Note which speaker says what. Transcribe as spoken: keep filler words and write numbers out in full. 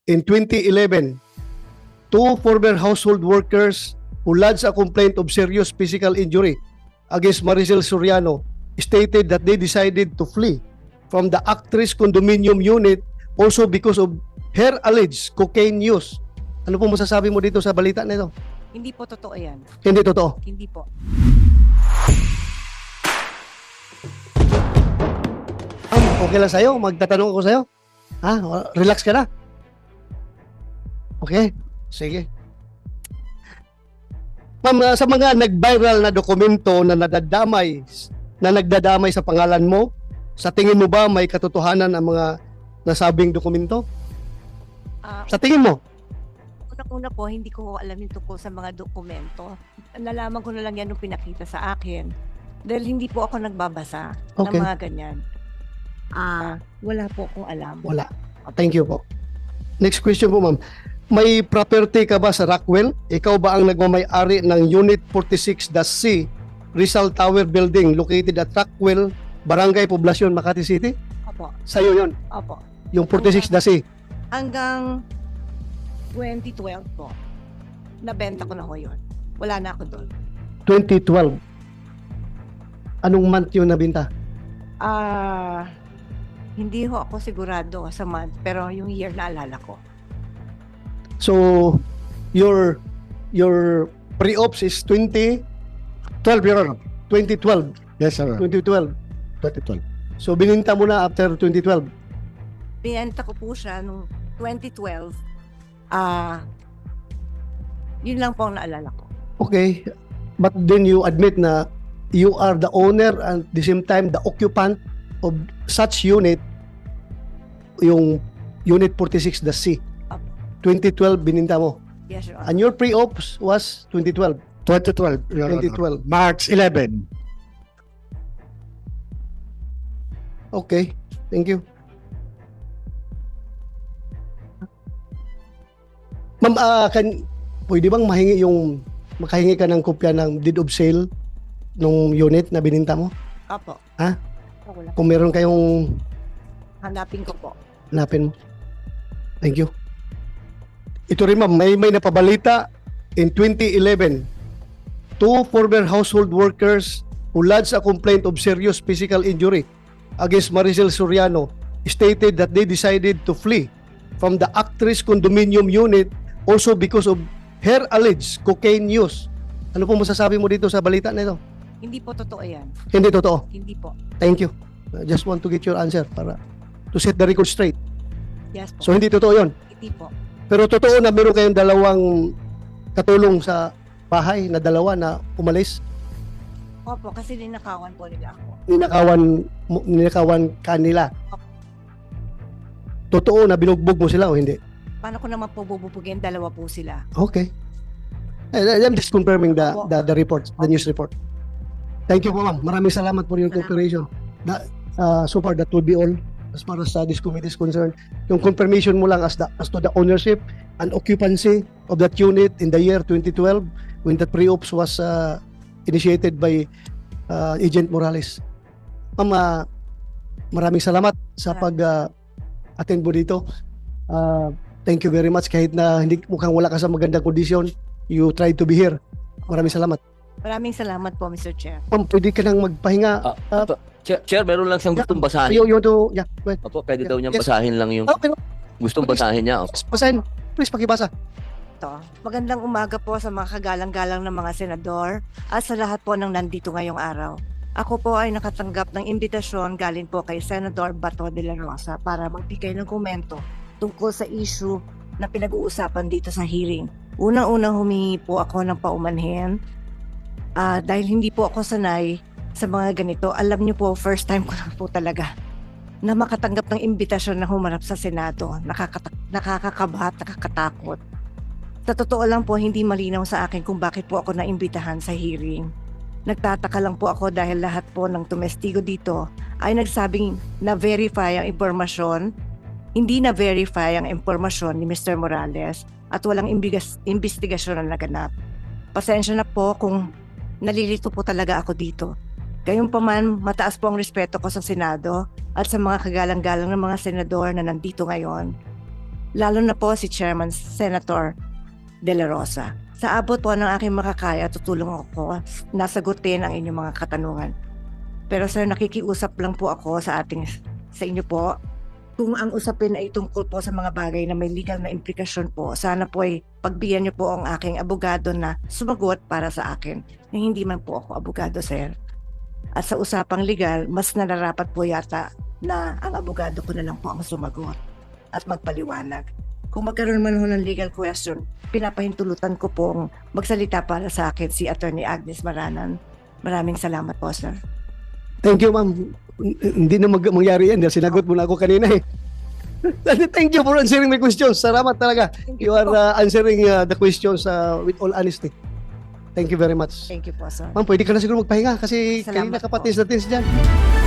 Speaker 1: in twenty eleven, two former household workers who lodged a complaint of serious physical injury against Maricel Soriano stated that they decided to flee from the actress condominium unit also because of her alleged cocaine use. Ano po masasabi mo dito sa balita na ito?
Speaker 2: Hindi po totoo yan.
Speaker 1: Hindi totoo.
Speaker 2: Hindi po.
Speaker 1: Ma'am, okay lang sa'yo? Magtatanong ako sa'yo? Ha? Relax ka na? Okay? Sige. Ma'am, uh, sa mga nag-viral na dokumento na nadadamay, na nagdadamay sa pangalan mo, sa tingin mo ba may katotohanan ang mga nasabing dokumento?
Speaker 2: Ah,
Speaker 1: Sa tingin mo?
Speaker 2: Unang-una po, hindi ko alam yung tungkol sa mga dokumento. Nalaman ko na lang yan nung pinakita sa akin. Dahil hindi po ako nagbabasa
Speaker 1: Okay.
Speaker 2: ng mga ganyan. Ah, wala po akong alam.
Speaker 1: Wala. Thank you po. Next question po, ma'am. May property ka ba sa Rockwell? Ikaw ba ang nagmamay-ari ng Unit forty-six C Rizal Tower Building located at Rockwell, Barangay Poblacion, Makati City?
Speaker 2: Opo.
Speaker 1: Sa'yo yun,
Speaker 2: Opo.
Speaker 1: yung forty-six C.
Speaker 2: Hanggang twenty twelve po, nabenta ko na ho yun. Wala na ako doon.
Speaker 1: twenty twelve. Anong month yun nabinta?
Speaker 2: Ah, hindi ho ako sigurado sa month, pero yung year naalala ko.
Speaker 1: So, your your pre-ops is twenty twelve, Your Honor. twenty twelve.
Speaker 3: Yes, sir.
Speaker 1: twenty twelve.
Speaker 3: twenty twelve.
Speaker 1: So, bininta mo na after twenty twelve.
Speaker 2: Binenta ko po siya nung twenty twelve. Ah, yun lang po ang naalala ko.
Speaker 1: Okay. But then you admit na you are the owner and at the same time the occupant of such unit, yung Unit forty-six C.
Speaker 2: Apo.
Speaker 1: twenty twelve bininta mo.
Speaker 2: Yes, Your Honor.
Speaker 1: And your pre-ops was twenty twelve.
Speaker 3: twenty twelve. Your Honor.
Speaker 1: twenty twelve.
Speaker 3: March eleventh.
Speaker 1: Okay. Thank you. Ma'am, ah, kan, pwede bang mahingi yung, makahingi ka ng kopya ng deed of sale nung unit na bininta mo?
Speaker 2: Apo.
Speaker 1: Ha?
Speaker 2: Ako lang.
Speaker 1: Kung meron kayong
Speaker 2: Hanapin ko po.
Speaker 1: hanapin mo. Thank you. Ito rin ma'am, may, may napabalita in twenty eleven, two former household workers who lodged a complaint of serious physical injury against Maricel Soriano stated that they decided to flee from the actress condominium unit also because of her alleged cocaine use. Ano po masasabi mo dito sa balita na ito?
Speaker 2: Hindi po totoo yan.
Speaker 1: Hindi totoo.
Speaker 2: Hindi po.
Speaker 1: Thank you. I just want to get your answer para to set the record straight.
Speaker 2: Yes po.
Speaker 1: So hindi totoo yon.
Speaker 2: Hindi po.
Speaker 1: Pero totoo na meron kayong dalawang katulong sa bahay na dalawa na umalis.
Speaker 2: Opo, kasi ninakawan po nila ako.
Speaker 1: Ninakawan, mo- ninakawan kanila. Totoo na binugbog mo sila o hindi?
Speaker 2: Paano ko naman po bububugin? Dalawa po sila.
Speaker 1: Okay. Eh, I'm just confirming the, the, the report, the news report. Thank you po ma'am. Maraming salamat for your cooperation. That, uh, so far, that would be all as far as uh, this committee is concerned. Yung confirmation mo lang as, the, as to the ownership and occupancy of that unit in the year twenty twelve when that pre-ops was uh, initiated by uh, Agent Morales. Ma'am, uh, maraming salamat sa pag-attend uh, mo dito. Uh, thank you very much. Kahit na hindi mukhang wala ka sa magandang kondisyon, you tried to be here. Maraming salamat.
Speaker 2: Maraming salamat po, Mister Chair.
Speaker 1: Ma'am, pwede ka nang magpahinga.
Speaker 4: Ah,
Speaker 1: Ah,
Speaker 4: Apo, Chair, Chair, meron lang siyang gustong basahin.
Speaker 1: You, you want to, yeah, go ahead.
Speaker 4: Opo, pwede daw niyang
Speaker 1: Yes.
Speaker 4: basahin lang yung
Speaker 1: Okay,
Speaker 4: gustong
Speaker 1: Please.
Speaker 4: basahin niya. Opo.
Speaker 1: basahin. Please, pakibasa.
Speaker 2: Ito. Magandang umaga po sa mga kagalang-galang ng mga senador at sa lahat po ng nandito ngayong araw. Ako po ay nakatanggap ng imbitasyon galing po kay Senador Bato de la Rosa para magbigay ng komento tungkol sa issue na pinag-uusapan dito sa hearing. Unang-unang humingi po ako ng paumanhin ah, dahil hindi po ako sanay sa mga ganito. Alam niyo po, first time ko na po talaga na makatanggap ng imbitasyon na humarap sa Senado. Nakakata- nakakakaba at nakakatakot. Sa totoo lang po, hindi malinaw sa akin kung bakit po ako naimbitahan sa hearing. Nagtataka lang po ako dahil lahat po ng tumestigo dito ay nagsabing na-verify ang impormasyon, hindi na-verify ang impormasyon ni Mister Morales at walang imbigas- investigasyon na naganap. Pasensya na po kung nalilito po talaga ako dito. Gayunpaman, mataas po ang respeto ko sa Senado at sa mga kagalang-galang ng mga senador na nandito ngayon. lalo na po si Chairman Senator De La Rosa. Sa abot po ng aking makakaya, tutulong ako na sagutin ang inyong mga katanungan. Pero sir, nakikiusap lang po ako sa ating sa inyo po. Kung ang usapin ay tungkol po sa mga bagay na may legal na implikasyon po, sana po ay pagbigyan niyo po ang aking abogado na sumagot para sa akin. Na hindi man po ako abogado, sir. At sa usapang legal, mas nararapat po yata na ang abogado ko na lang po ang sumagot at magpaliwanag. Kung magkaroon man ho ng legal question, pinapahintulutan ko pong magsalita para sa akin si Attorney Agnes Maranan. Maraming salamat po, sir.
Speaker 1: Thank you, ma'am. Hindi na mag mangyari yan dahil sinagot mo na ako kanina eh. Thank you for answering my questions. Salamat talaga. You are uh, answering uh, the questions uh, with all honesty. Thank you very much.
Speaker 2: Thank you po, sir.
Speaker 1: Ma'am, pwede ka na siguro magpahinga kasi
Speaker 2: Salamat
Speaker 1: kanina
Speaker 2: po.
Speaker 1: kapatis natin dyan.